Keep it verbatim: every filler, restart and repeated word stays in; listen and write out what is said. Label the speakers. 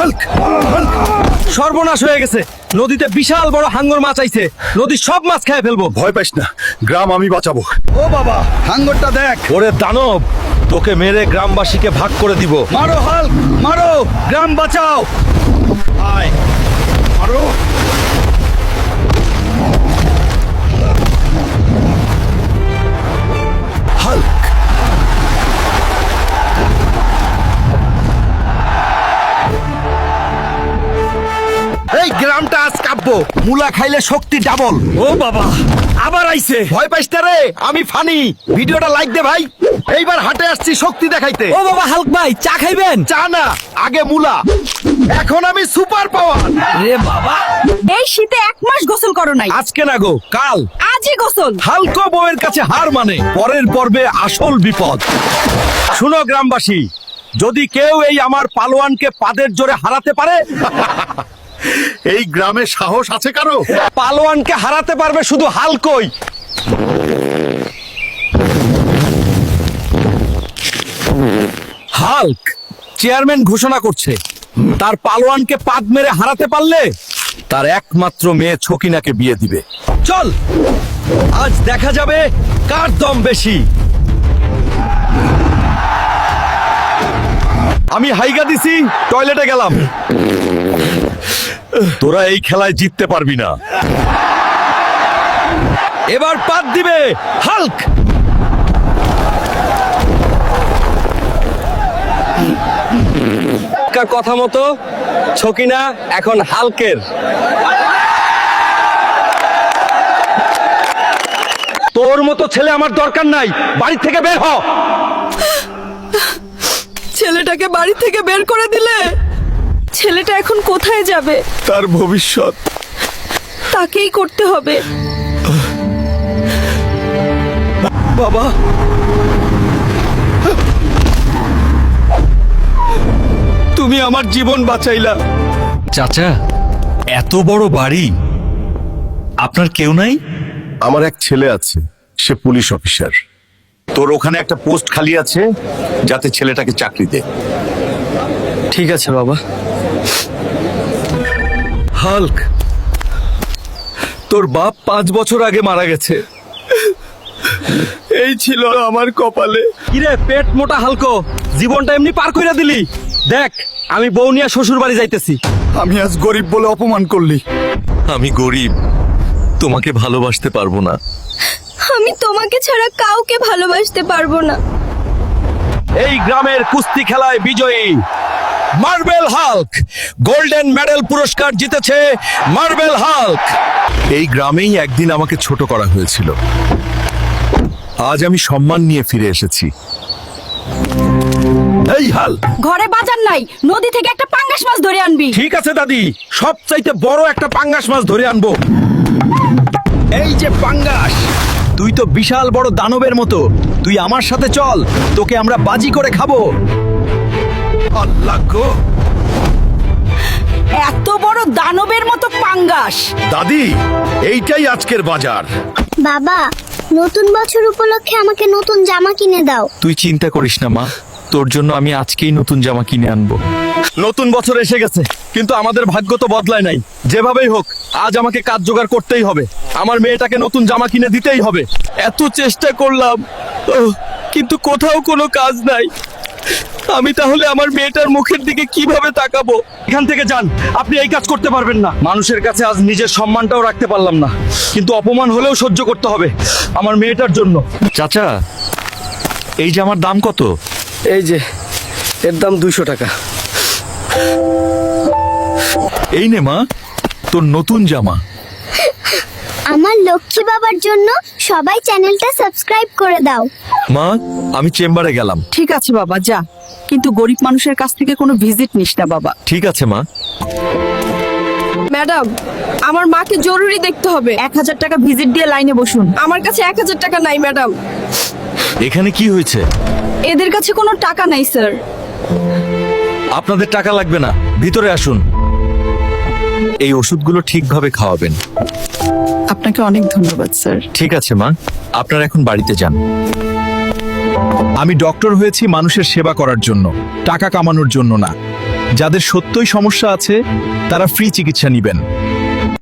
Speaker 1: Hulk Hulk
Speaker 2: সর্বনাশ হয়ে গেছে, নদীতে বিশাল বড় হাঙ্গর মাছ আইছে, নদীর সব মাছ খেয়ে ফেলবো।
Speaker 1: ভয় পাইস না, গ্রাম আমি বাঁচাবো।
Speaker 2: ও বাবা, হাঙ্গরটা দেখ।
Speaker 3: ওরে দানব, তোকে মেরে গ্রামবাসীকে ভাগ করে দিব।
Speaker 2: মারো হাল্ক, মারো, গ্রাম বাঁচাও।
Speaker 1: আয় মারো। হাল্ক
Speaker 2: এই গ্রামটা আজ কাঁপবো, মুলা খাইলে শক্তি ডাবল।
Speaker 3: ও বাবা, আবার আইছে।
Speaker 2: ভয় পাইস না রে, আমি ফানি। ভিডিওটা লাইক দে ভাই। এইবার হাটে আসছি শক্তি দেখাইতে।
Speaker 3: ও বাবা, হাল্ক ভাই চা খাইবেন?
Speaker 2: চা না, আগে মুলা। এখন আমি সুপার পাওয়ার।
Speaker 3: রে বাবা,
Speaker 4: এই শীতে এক মাস গোসল করো নাই,
Speaker 2: আজকে না গো, কাল।
Speaker 4: আজই গোসল।
Speaker 2: হালকো বউয়ের কাছে হার মানে পরের পর্বে আসল বিপদ। শুনো গ্রামবাসী, যদি কেউ এই আমার পালোয়ানকে পাদের জোরে হারাতে পারে,
Speaker 1: এই গ্রামে সাহস আছে কারো?
Speaker 2: পালোয়ানকে হারাতে পারবে শুধু হালকোই। হাল্ক চেয়ারম্যান ঘোষণা করছে, তার পালোয়ানকে পাদ মেরে হারাতে পারলে তার একমাত্র মেয়ে ছকিনাকে বিয়ে দিবে। চল, আজ দেখা যাবে কার দম বেশি। আমি হাইগা দিছি, টয়লেটে গেলাম।
Speaker 3: তোরা এই খেলায় জিততে পারবি না।
Speaker 2: এবার পাদ দিবে হাল্ক। কথা মতো ছকিনা এখন হাল্কের। তোর মতো ছেলে আমার দরকার নাই, বাড়ি থেকে বের হ।
Speaker 4: ছেলেটাকে বাড়ি থেকে বের করে দিলে, ছেলেটা এখন কোথায় যাবে?
Speaker 1: তার ভবিষ্যৎ
Speaker 4: তাকেই করতে হবে।
Speaker 2: বাবা, তুমি আমার জীবন বাঁচাইলা।
Speaker 3: চাচা, এত বড় বাড়ি, আপনার কেউ নাই?
Speaker 1: আমার এক ছেলে আছে, সে পুলিশ অফিসার। তোর ওখানে একটা পোস্ট খালি আছে, যাতে ছেলেটাকে চাকরি দে।
Speaker 2: ঠিক আছে বাবা। হাল্ক, তোর বাপ পাঁচ বছর আগে মারা গেছে, এই ছিল আমার কপালে। কিরে পেট মোটা হালকো, জীবনটা এমনি পার কইরা দিলি। দেখ, আমি বউ নিয়ে শ্বশুর বাড়ি যাইতেছি।
Speaker 1: আমি আজ গরিব বলে অপমান করলি।
Speaker 3: আমি গরিব, তোমাকে ভালোবাসতে পারবো না।
Speaker 4: আমি তোমাকে ছাড়া কাউকে ভালোবাসতে পারবো না।
Speaker 2: এই গ্রামের কুস্তি খেলায় বিজয়ী মার্বেল হাল্ক, গোল্ডেন মেডেল পুরস্কার জিতেছে মার্বেল হাল্ক।
Speaker 1: এই গ্রামেই একদিন আমাকে ছোট করা হয়েছিল, আজ আমি সম্মান নিয়ে ফিরে এসেছি।
Speaker 2: এই হাল্ক,
Speaker 4: ঘরে বাজার নাই, নদী থেকে একটা পাঙ্গাস মাছ ধরে আনবি।
Speaker 2: ঠিক আছে দাদি, সবচাইতে বড় একটা পাঙ্গাস মাছ ধরে আনবো। এই যে পাঙ্গাস, তুই তো বিশাল বড় দানবের মতো, তুই আমার সাথে চল, তোকে আমরা বাজি করে খাবো। আল্লাহ গো,
Speaker 4: এত বড় দানবের মতো পাঙ্গাস।
Speaker 1: দাদি, এইটাই আজকের বাজার।
Speaker 5: বাবা, নতুন বছর উপলক্ষে আমাকে নতুন জামা কিনে দাও।
Speaker 3: তুই চিন্তা করিস না মা, তোর জন্য আমি আজকেই নতুন জামা কিনে আনবো।
Speaker 2: নতুন বছর এসে গেছে, কিন্তু আমাদের ভাগ্য তো বদলায় নাই। যেভাবেই হোক, আজ আমাকে কাজ জোগাড় করতেই হবে। আমার মেয়েটাকে নতুন জামা কিনে দিতেই হবে। এত চেষ্টা করলাম, ওহ, কিন্তু কোথাও কোনো কাজ নাই। আমি তাহলে আমার মেয়েটার মুখের দিকে কিভাবে তাকাবো? এখান থেকে যান, আপনি এই কাজ করতে পারবেন না। মানুষের কাছে আজ নিজের সম্মানটাও রাখতে পারলাম না, কিন্তু অপমান হলেও সহ্য করতে হবে আমার মেয়েটার জন্য।
Speaker 3: চাচা, এই জামার দাম কত?
Speaker 2: এই যে, এর দাম দুইশো টাকা।
Speaker 3: এই নে মা, তোর নতুন জামা।
Speaker 5: আমার লক্ষ্মী বাবার জন্য সবাই চ্যানেলটা সাবস্ক্রাইব করে দাও।
Speaker 3: মা, আমি চেম্বারে গেলাম।
Speaker 4: ঠিক আছে বাবা, যা, কিন্তু গরিব মানুষের কাছ থেকে কোনো ভিজিট নিস না বাবা।
Speaker 3: ঠিক আছে মা।
Speaker 4: ম্যাডাম, আমার মাকে জরুরি দেখতে হবে। এক হাজার টাকা ভিজিট দিয়ে লাইনে বসুন। আমার কাছে এক হাজার টাকা নাই ম্যাডাম।
Speaker 3: এখানে কি হয়েছে?
Speaker 4: এদের কাছে কোনো টাকা নাই স্যার।
Speaker 3: আপনাদের টাকা লাগবে না, ভিতরে আসুন। এই ওষুধগুলো ঠিকভাবে খাওয়াবেন।
Speaker 4: আপনাকে অনেক ধন্যবাদ স্যার।
Speaker 3: ঠিক আছে মা, আপনারা এখন বাড়িতে যান।
Speaker 2: আমি ডক্টর হয়েছি মানুষের সেবা করার জন্য, টাকা কামানোর জন্য না। যাদের সত্যই সমস্যা আছে তারা ফ্রি চিকিৎসা নেবেন।